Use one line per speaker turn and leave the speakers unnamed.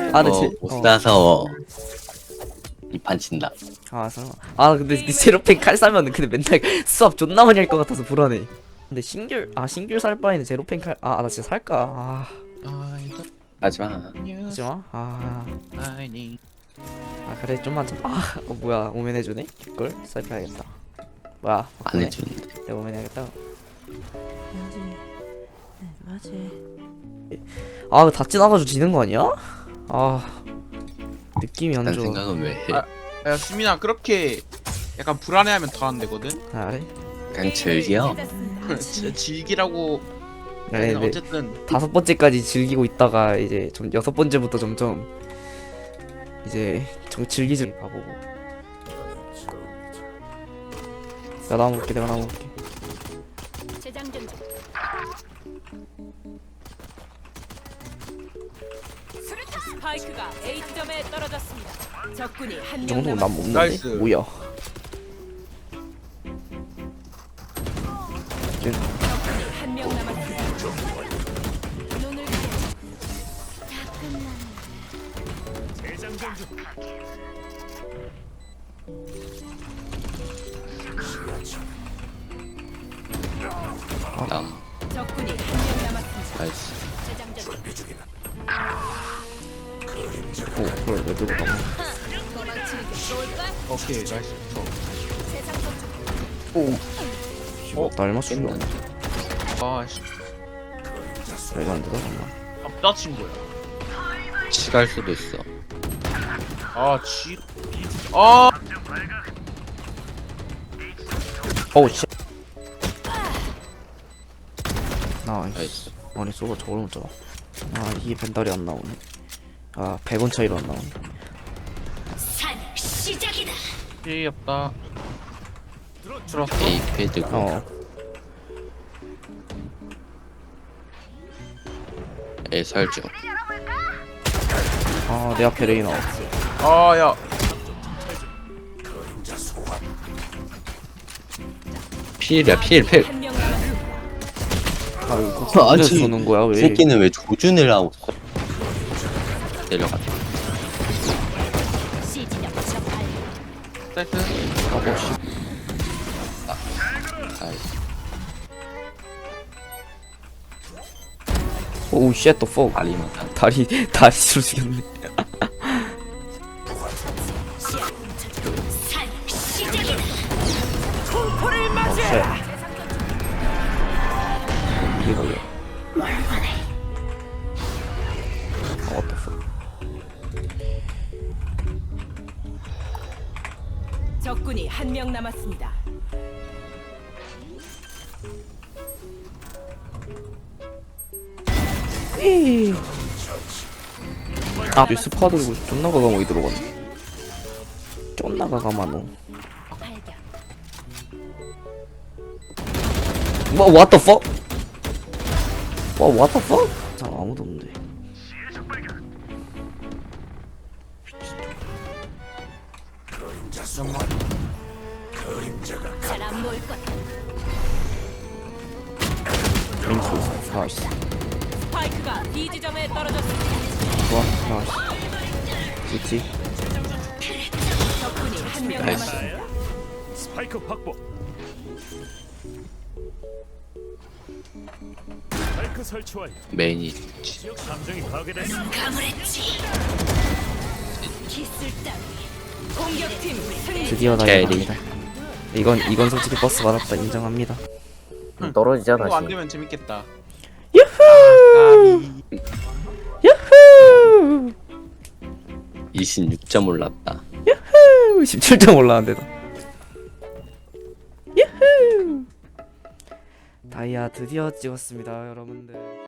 아 근데
못 사서 이 판 친다.
아 설마. 아 근데 니 제로펜 칼 사면은 근데 맨날 수압 존나 많이 할 것 같아서 불안해. 근데 신귤 살 바에는 제로펜 칼. 아 나 진짜 살까.
하지마.
하지마. 그래 좀만 좀. 뭐야 오면 해주네. 개꿀 살펴야겠다. 뭐야
안
바꾸네.
해주는데.
내가 오면 해야겠다. 아 다 지나가지고 지는 거 아니야? 느낌이 안
난
좋아.
생각은 왜 해?
야 수민아 그렇게 약간 불안해하면 더 안 되거든.
그래?
그냥 즐겨.
진짜 즐기라고.
네, 네.
어쨌든
5번째까지 즐기고 있다가 이제 좀 6번째부터 점점 이제 즐기지 가보고. 내가 나와볼게.
재장전 중. 스파이크가 A 지점에 떨어졌습니다. 적군이
이
한명
정도면 난 못 먹는데?
나이스.
뭐야?
한명 남았습니다. 눈을
남.
적군이 한명 남았습니다.
나이스.
재장전 중.
그걸 왜 들고 가면?
도망치는 게 좋을까?
오케이 나이스.
세상 속
씨발 날 맞추려.
아씨
말도 안 되다 정말.
남자 친구야.
치갈 수도 있어.
아 지. 아
어우 씨. 나이스.
나이스.
아니 쏘가 저걸 못 잡아. 이게 벤달이 안 나오네. 100원 차이로 안 나오네.
산 시작이다.
피없다. 들었어?
A 패드고 A 설정.
내 앞에 레이나.
아야
필이야 필.
한명 남았습니다.
이거
아니,
쏘는 거야 왜?
이 새끼는 왜 조준을 하고 있어? 내려갔다.
시지점 적발.
사이트.
나이스.
오우 쉣 더 폭.
다리만 다.
다리 죽였네.
산 시작이다.
이게 걸려. what the fuck.
적군이 한명 남았습니다.
스파 들고 존나 가감하게 들어갔네. 존나 가감하노.
발견.
뭐 what the fuck? what the fuck? 아무도 없는데.
잘 안 보일 거다.
맹수. 나이스.
스파이크가 B 지점에 떨어졌습니다.
좋아. 나이스. 좋지.
적군이 한명
나이스.
남았습니다.
스파이크 확보. 스파이크 설치 완료.
메인이
지역 감정이 파괴됐어.
가물했지. 기술 따위. 공격팀 승리.
드디어
캐리.
나이갑니다. 이건 솔직히 버스 받았다 인정합니다.
떨어지자
이거 안
다시.
되면 재밌겠다.
유후! 유후!
26점 올랐다.
17점 올라왔는데도. 유후! 다이아 드디어 찍었습니다, 여러분들.